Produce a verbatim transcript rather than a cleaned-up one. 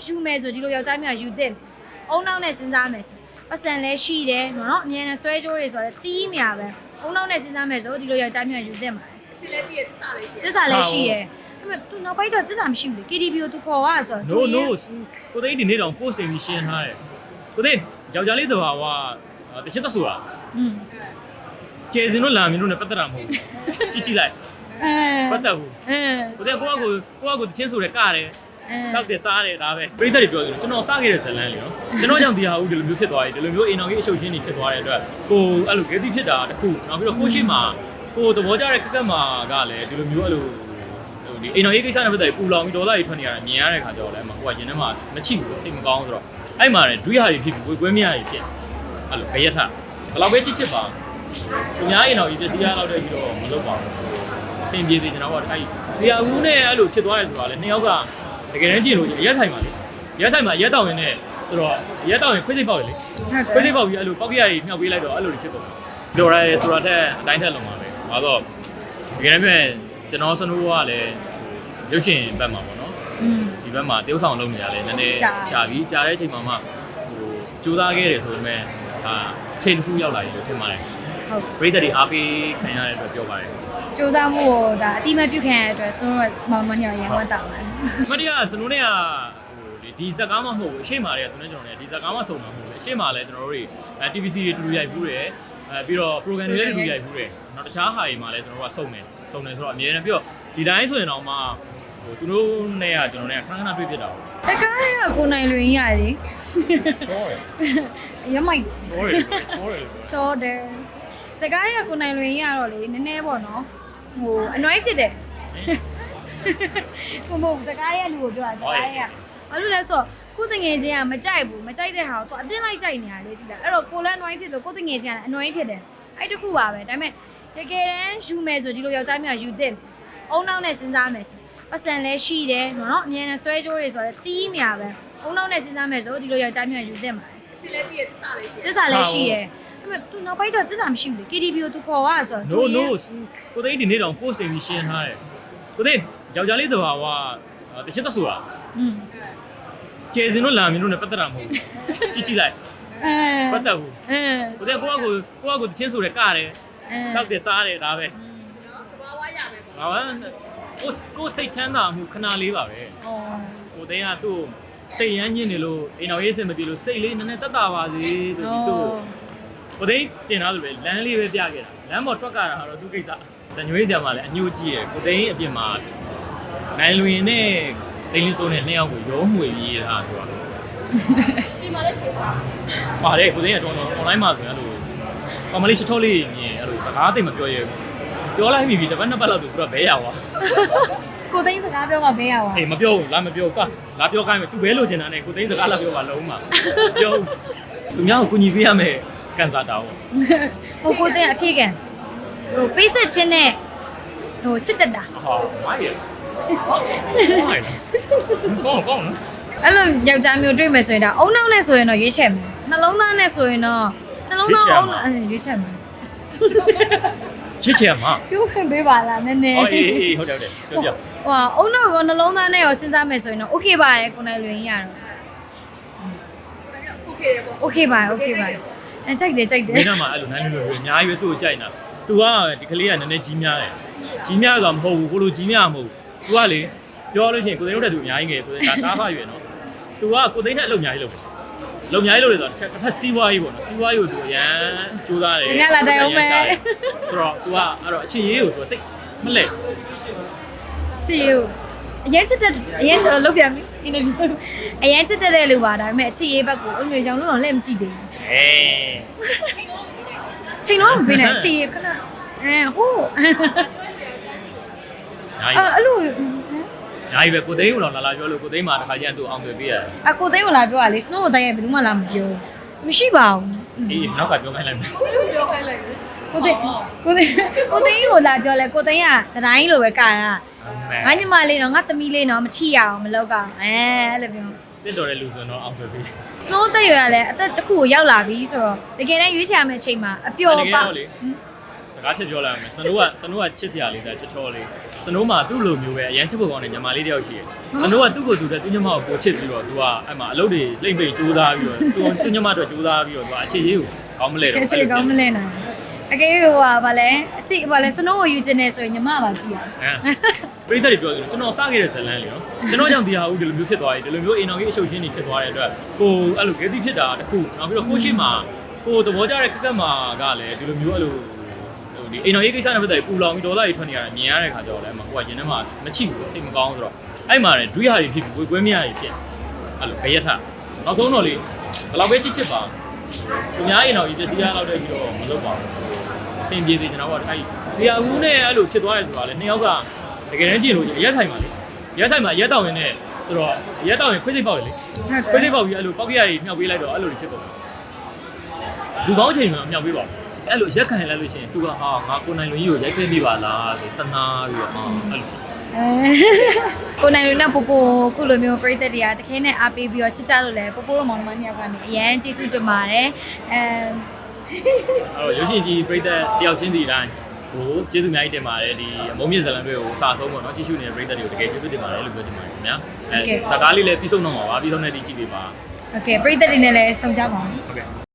ယူမယ်ဆိုဒီလိုယောက်ျားမျိုးကယူတဲ့အုံနောက်နဲ့စဉ်းစားမယ်ဆိုပတ်စံလဲရှိတယ်နော်အမြဲတမ်းဆွဲကြိုးတွေဆိုတော့တီးမြာပဲအုံနောက်နဲ့စဉ်းစားမယ်ဆိုဒီလိုယောက်ျားမျိုးကယူတဲ့မှာချစ်လဲကြည့်ရသစ္စာလဲရှိတယ်သစ္စာလဲရှိတယ်အဲ့မဲ့ तू နောက်ပိုင်းကျသစ္စာမရှိဘူးလေ K T V ကို तू ခေါ်ရဆိုတော့ no no ကိုသိန်းဒီနေ့တော့ပို့စိန်ပြီးရှင်းထားတယ်ကိုသိန်းယောက်ျားလေးတဘာဝတချစ်သက်ဆိုတာอืมကျေစင်တို့လာမင်းတို့ ਨੇ ပတ်သက်တာမဟုတ်ဘူးကြည့်ကြည့်လိုက်အဲပတ်သက်ဘူးအဲကိုသိန်းကိုကကိုကိုကကိုတချင်းဆိုတယ်ကတယ်တောက်တယ်စားတယ်ဒါပဲပြိတ္တတွေပြောတယ်ကျွန်တော်စားခဲ့တဲ့ဇလန်းလေနော်ကျွန်တော်ကြောင့်ဒီဟာဦးဒီလိုမျိုးဖြစ်သွားပြီဒီလိုမျိုးအိမ်တော်ကြီးအရှုပ်ရှင်းနေဖြစ်သွားတဲ့အတွက်ကိုအဲ့လိုဂေတိဖြစ်တာတခုနောက်ပြီးတော့ကိုရှိမှာကိုသဘောကျတဲ့ကက်ကက်မှာကလည်းဒီလိုမျိုးအဲ့လိုဒီအိမ်တော်ကြီးကိစ္စနဲ့ပတ်သက်ပြီးပူလောင်ပြီးဒေါသတွေထွက်နေရတာမြင်ရတဲ့ခါကျတော့လည်းကိုကရင်ထဲမှာမချိဘူးထိတ်မကောင်းဆိုတော့အဲ့မှာလည်းဒွိဟာတွေဖြစ်ပြီးဝေကွဲမြရတွေဖြစ်အဲ့လိုခရက်ထဘယ်လောက်ပဲချစ်ချစ်ပါသူများအိမ်တော်ကြီးပြစီရတော့တဲ့ပြီးတော့မလုပ်ပါဘူးအဆင်ပြေစေကျွန်တော်ကအဲ့ဒီအဦးနဲ့အဲ့လိုဖြစ်သွားရဲဆိုတာလည်းနှစ်ယောက်ကတကယ်တမ်းကြည့်လို့ရက်ဆိုင်ပါလေရက်ဆိုင်မှာရက်တောင်ရင်နဲ့ဆိုတော့ရက်တောင်ရင်ခွေးစိတ်ပေါက်လေခွေးစိတ်ပေါက်ပြီးအဲ့လိုပေါက်ကြရည်မြှောက်ပေးလိုက်တော့အဲ့လိုဖြစ်သွားတယ်ပြောရဲဆိုတာတဲ့အတိုင်းထက်လုံးပါပဲဘာလို့တကယ်တမ်းကျွန်တော်စနိုးကလည်းရုပ်ရှင်ဘက်မှာပေါ့နော်ဒီဘက်မှာတရုပ်ဆောင်လုပ်နေရလဲနည်းနည်းကြာပြီကြာတဲ့အချိန်မှာမှဟိုကြိုးစားခဲ့တယ်ဆိုပေမဲ့ဒါချိန်တစ်ခုရောက်လာပြီလို့ထင်ပါတယ်ဟုတ်ပရိသတ်တွေအားပေးခံရတဲ့အတွက်ပြောပါတယ်စူးစမ်းမှုကိုဒါအတိမပြုတ်ခံရတဲ့အတွက်စနိုးမောင်မညာရန်ဝတ်တောင်းတယ်မတရားစနိုးနဲ့ကဟိုဒီဇက်ကားမှမဟုတ်ဘူးအရှိမာတွေကသူနဲ့ကျွန်တော်နဲ့ဒီဇက်ကားမှဆုံမှာမဟုတ်ဘူးအရှိမာလည်းကျွန်တော်တို့တွေအဲ T V C တွေတူတူရိုက်ဘူးတယ်အဲပြီးတော့ program တွေလည်းတူတူရိုက်ဘူးတယ်နောက်တခြားဟာတွေမှာလည်းကျွန်တော်တို့ကစုံတယ်စုံတယ်ဆိုတော့အမြဲတမ်းပြီးတော့ဒီတိုင်းဆိုရင်တော့မှဟိုသူတို့နဲ့ကကျွန်တော်နဲ့ခဏခဏတွေ့ဖြစ်တာပေါ့စကားတွေကကိုနိုင်လွင်ရလေချောတယ်ရမိုက်ချောတယ်ချောတယ်ချောတယ်စကားတွေကကိုနိုင်လွင်ရတော့လေနည်းနည်းပေါ့နော်ဟိုအနှွိုင်းဖြစ်တယ်ဘုံဘုံစကားတွေကလူကိုပြောတာစကားတွေကဘာလို့လဲဆိုတော့ကိုတငယ်ချင်းကမကြိုက်ဘူးမကြိုက်တဲ့ဟာကိုသူအတင်းလိုက်ကြိုက်နေရလေဒီလားအဲ့တော့ကိုလည်းအနှွိုင်းဖြစ်လို့ကိုတငယ်ချင်းကအနှွိုင်းဖြစ်တယ်အဲ့တခုပါပဲဒါပေမဲ့တကယ်တမ်းယူမယ်ဆိုဒီလိုယောက်ျားမျိုးကယူတဲ့အုံနောက်နဲ့စဉ်းစားမယ်ဆိုပတ်စံလဲရှိတယ်နော်အမြဲတမ်းဆွဲကြိုးတွေဆိုတော့တီးမြာပဲအုံနောက်နဲ့စဉ်းစားမယ်ဆိုဒီလိုယောက်ျားမျိုးကယူတဲ့မှာချစ်လဲကြည့်ရသစ္စာလဲရှိတယ်သစ္စာလဲရှိတယ်အဲ့မဲ့ तू နောက်ပိုင်းကျသစ္စာမရှိဘူးလေ K T V ကို तू ခေါ်ရဆိုတော့ no no ကိုသိန်းဒီနေ့တော့ပို့စိန်ပြီးရှင်းထားတယ်ကိုသိန်းယောက်ျားလေးတဘာဝတချစ်သက်ဆိုတာอืมကျေစင်တို့လာမင်းတို့ ਨੇ ပတ်သက်တာမဟုတ်ဘူးကြည့်ကြည့်လိုက်အဲပတ်သက်ဘူးအဲကိုသိန်းကိုကကိုကိုကကိုတချင်းဆိုတယ်ကတယ်တောက်တယ်စားတယ်ဒါပဲတဘာဝရပဲပေါ့ဟာကိုကိုစိတ်ချမ်းသာမှုခဏလေးပါပဲဩကိုသိန်းကသူ့စိတ်ရမ်းညစ်နေလို့အိမ်တော်ရေးစင်မပြေလို့စိတ်လေးနည်းနည်းတက်တာပါစေဆိုပြီးသူ့ကိုသိန်းတင်ထားလို့ပဲလမ်းလေးပဲပြခဲ့တာလမ်းပေါ်ထွက်ကြတာကတော့သူ့ကိစ္စဇညွေးဆရာမလည်းအညို့ကြည့်ရကိုသိန်းအပြင်မှာနိုင်လွင်နဲ့တိန်လင်းစိုးနဲ့နှစ်ယောက်ကိုရုံးမှွေပြီးတာသူကဒီမှာလည်းချိန်ပါပါတယ်ကိုသိန်းကတော့ online မှာဆိုရင်အဲ့လိုကောင်မလေးချောချောလေးမြင်အဲ့လိုစကားသိမပြောရဲဘူးပြောလိုက်ပြီတစ်ပတ်နှစ်ပတ်လောက်သူကဘဲရသွားကိုသိန်းစကားပြောမှဘဲရသွားအေးမပြောဘူးလာမပြောကလာပြောခိုင်းမယ်သူဘဲလိုချင်တာနဲ့ကိုသိန်းစကားလာပြောပါလုံးမှာပြောသူများကိုကူညီပေးရမယ်ကန်စားတာဟုတ်ဟိုကိုသိန်းအဖြစ်ကန်ဟိုပေးဆက်ချင်းနဲ့ဟိုချစ်တက်တာဟာမိုင်းရကောင်းကောင်းနော်အဲ့လိုယောက်ျားမျိုးတွေ့မယ်ဆိုရင်ဒါအုံနောက်နဲ့ဆိုရင်တော့ရွေးချယ်မယ်နှလုံးသားနဲ့ဆိုရင်တော့နှလုံးသားအုံရွေးချယ်မယ်ချစ်ချင်မှာပြောခွင့်ပေးပါလားနည်းနည်းအေးအေးဟုတ်တယ်ဟုတ်တယ်ပြောပြဟိုအုံနောက်ကနှလုံးသားနဲ့ရောစဉ်းစားမယ်ဆိုရင်တော့ okay ပါတယ်ကိုနိုင်လွင်ရတော့ okay ပေါ့ okay ပါ okay ပါအဲကြိုက်တယ်ကြိုက်တယ်မင်းကမှအဲ့လိုနိုင်လို့အများကြီးပဲသူ့ကိုကြိုက်နေတာ तू ကဒီကလေးကနည်းနည်းကြီးများတယ်ကြီးများဆိုတာမဟုတ်ဘူးကိုလိုကြီးများမဟုတ်ဘူး तू ကလေပြောလို့ရှိရင်ကိုသိန်းတို့တဲ့သူအများကြီးငယ်ကိုသိန်းဒါတားဖရွယ်နော် तू ကကိုသိန်းနဲ့အလုပ်အများကြီးလုပ်တယ်လုံများကြီးလို့လေဆိုတော့တစ်ဖက်စီးပွားရေးပေါ့နော်စီးပွားရေးကိုသူအရန်ကြိုးစားတယ်ညလာတိုင်အောင်မယ်ဆိုတော့ तू ကအဲ့တော့အချင်းရေးကို तू တိတ်မလဲချစ်ရေးအရင်ချစ်တဲ့အရင်လုတ်ပြန်ပြီ interview အရင်ချစ်တဲ့လူပါဒါပေမဲ့အချစ်ရေးဘက်ကိုအမျိုးကြောင့်လုံးတော့လက်မကြည့်သေးဘူးအေးချိန်လုံးမပေးနိုင်ချစ်ရေးခဏအဲဟိုးအဲ့လိုညာကြီးပဲကိုသိန်းကိုတော့လာလာပြောလို့ကိုသိန်းမှာတစ်ခါကျရင်သူအောင်တွေ့ပေးရတယ်အကိုသိန်းကိုလာပြောရလေ snow ကိုတိုင်းရဘယ်သူမှလာမပြောမရှိပါဘူးအေးနောက်ကပြောခိုင်းလိုက်မယ်ပြောခိုင်းလိုက်ကိုသိန်းကိုသိန်းကိုသိန်းကိုလာပြောလဲကိုသိန်းကတတိုင်းလိုပဲကာတာငါညီမလေးတော့ငါသမီးလေးတော့မထီရအောင်မလုပ်ကောင်အဲအဲ့လိုပြောတစ်တော်တဲ့လူဆိုတော့အောင်တွေ့ပေး snow တက်ရွယ်ကလည်းအသက်တစ်ခုကိုရောက်လာပြီဆိုတော့တကယ်တမ်းရွေးချယ်ရမယ့်အချိန်မှာအပျော်ပါစကားဖြစ်ပြောလိုက်အောင်မယ်စနိုးကစနိုးကချစ်စရာလေးတဲ့ချောချောလေးစနိုးမှာသူ့လိုမျိုးပဲအရန်ချစ်ဖို့ကောင်းတဲ့ညီမလေးတယောက်ရှိတယ်စနိုးကသူ့ကိုသူတဲ့သူ့ညီမကိုကိုချစ်ပြီးတော့သူကအဲ့မှာအလုပ်တွေလိမ့်ပိတ်ကြိုးစားပြီးတော့သူသူ့ညီမအတွက်ကြိုးစားပြီးတော့သူကအခြေရေးကိုကောင်းမလဲတော့အခြေကောင်းမလဲနိုင်အကေဟိုဟာဗာလဲအချိဗာလဲစနိုးကိုယူခြင်းနေဆိုရင်ညီမပါကြည့်ရအောင်ပရိသတ်တွေပြောတယ်ကျွန်တော်စခဲ့တဲ့ဇလန်းလေနော်ကျွန်တော်ကြောင့်ဒီဟာဦးဒီလိုမျိုးဖြစ်သွားတယ်ဒီလိုမျိုးအိမ်တော်ကြီးအရှုပ်ရှင်းနေဖြစ်သွားတဲ့အတွက်ကိုအဲ့လိုဂေတိဖြစ်တာတခုနောက်ပြီးတော့ကိုရှိမှာကိုသဘောကျတဲ့ကက်ကက်မှာကလည်းဒီလိုမျိုးအဲ့လိုဒီအိမ်တော်ကြီးကိစ္စနဲ့ပတ်သက်ပြီးပူလောင်ပြီးဒေါသတွေထွက်နေရတာမြင်ရတဲ့ခါကျတော့လည်းကိုကရင်ထဲမှာမချိဘူးထိတ်မကောင်းဆိုတော့အဲ့မှာလည်းဒွိဟာတွေဖြစ်ပြီးဝေကွဲမရတွေဖြစ်အဲ့လိုခရက်ထနောက်ဆုံးတော့လေဘယ်လောက်ပဲချစ်ချစ်ပါသူများအိမ်တော်ကြီးပြည့်စည်ရတော့တဲ့ပြီးတော့မလုပ်ပါဘူးအဆင်ပြေစေကျွန်တော်ကအဲ့ဒီအဦးနဲ့အဲ့လိုဖြစ်သွားတယ်ဆိုတာလေနှစ်ယောက်ကတကယ်တမ်းကြည့်လို့ရက်ဆိုင်ပါလေရက်ဆိုင်မှာရက်တောင်ရင်နဲ့ဆိုတော့ရက်တောင်ရင်ခွေးစိတ်ပေါက်လေခွေးစိတ်ပေါက်ပြီးအဲ့လိုပေါက်ကြရည်မြောက်ပေးလိုက်တော့အဲ့လိုဖြစ်သွားလူကောင်းချိန်မှာမြောက်ပေးပါအဲ့လိုရက်ခံလိုက်လို့ရှိရင် तू ကဟာငါကိုနိုင်လူကြီးကိုရိုက်ခဲ့ပြပါလားဆိုတနာပြီးတော့ဟာအဲ့လိုကိုနိုင်လူနဲ့ပို့ပို့ခုလိုမျိုးပြိသက်တွေကတခဲနဲ့အားပေးပြီးတော့ချစ်ကြလို့လဲပို့ပို့တော့မောင်နှမနှစ်ယောက်ကနေအရန်ကျေးဇူးတင်ပါတယ်အဲအဲ့တော့ရုပ်ရှင်ကြီးပြိသက်တယောက်ချင်းစီတိုင်းကိုကျေးဇူးအများကြီးတင်ပါတယ်ဒီအမုံမြင့်ဇလန်တွေကိုစာဆုံးပေါ့နော်ကြည့်ရှုနေတဲ့ပရိသတ်တွေကိုတကယ်ကျေးဇူးတင်ပါတယ်လို့ပြောချင်ပါတယ်ခင်ဗျာအဲစကားလေးလည်းပြီးဆုံးတော့မှာပါပြီးဆုံးတဲ့ဒီကြည့်ပေးပါโอเคပရိသတ်တွေနဲ့လည်းဆုံကြပါအောင်ဟုတ်ကဲ့